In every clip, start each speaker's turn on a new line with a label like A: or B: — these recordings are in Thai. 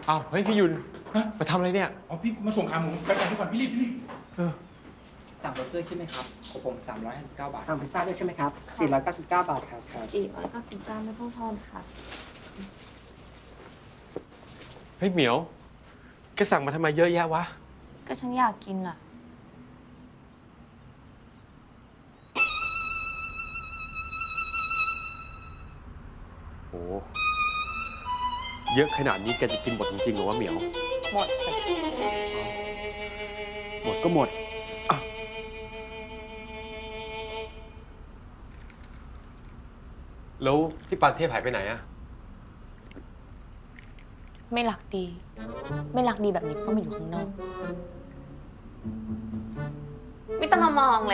A: อ้าวเฮ้ยพี่ยุนมาทำอะไรเนี่ย
B: อ๋อพี่มาส่งขาหมูไปสั่งทุกคนพี่รีบ
C: สั่งเบอร์เกอร์ใช่ไหมครับของผม359 บาท
D: สั่งพิซซ่าด้วยใช่ไหมครับ499 บาทครับ
E: 499ไม่ต้องทอนค่ะ
A: เฮ้ยเหมียวแกสั่งมาทำไมเยอะแยะวะ
E: ก็ฉันอยากกินอ่ะ
A: โอ้เยอะขนาดนี้แกจะกินหมดจริงๆเหรอวะเหมียว
E: หมดสิ
A: หมดก็หมดแล้วพี่ปานเทพหายไปไหนอะ
E: ไม่รักดี ไม่รักดีแบบนี้ก็มาอยู่ข้างนอก ไม่ต้องมามองเลย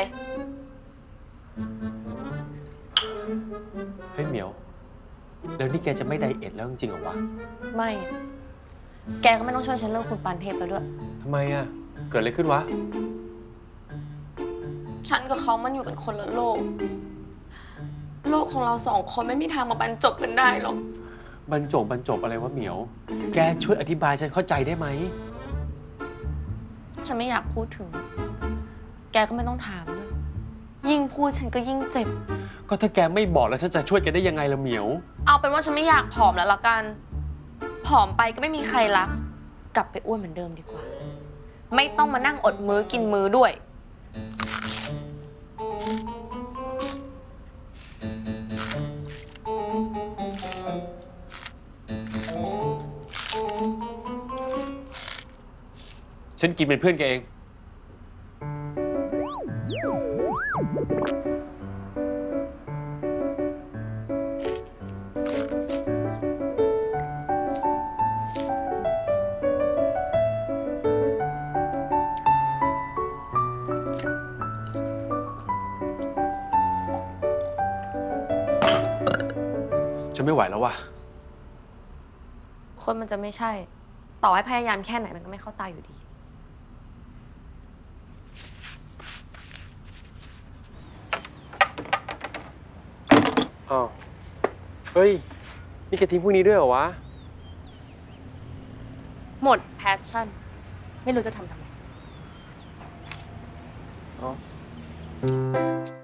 A: เฮ้ยเหมียวแล้วนี่แกจะไม่ไดเอทแล้วจริงๆเหรอวะ
E: ไม่ แกก็ไม่ต้องช่วยฉันเลิกคุณปานเทพแล้วด้วย
A: ทำไมอะเกิดอะไรขึ้นวะ
E: ฉันกับเขามันอยู่กันคนละโลก โลกของเราสองคนไม่มีทางมาบรรจบกันได้หรอก
A: บรรจบอะไรวะเหมียว แกช่วยอธิบายฉันเข้าใจได้ไหม
E: ฉันไม่อยากพูดถึง แกก็ไม่ต้องถามเลยยิ่งพูดฉันก็ยิ่งเจ็บ
A: ก็ถ้าแกไม่บอกแล้วฉันจะช่วยแกได้ยังไงล่ะเหมียว
E: เอาเป็นว่าฉันไม่อยากผอมแล้วละกัน ผอมไปก็ไม่มีใครรัก กลับไปอ้วนเหมือนเดิมดีกว่า ไม่ต้องมานั่งอดมื้อกินมื้อด้วย
A: ฉันกินเป็นเพื่อนแกเอง ฉันไม่ไหวแล้วว่ะ
E: คนมันจะไม่ใช่ ต่อให้พยายามแค่ไหนมันก็ไม่เข้าตาอยู่ดี
A: อ้าว เฮ้ย นี่แกทิ้งพวกนี้ด้วยเหรอวะ
E: หมดแพชชั่น ไม่รู้จะทำไม
A: อ๋อ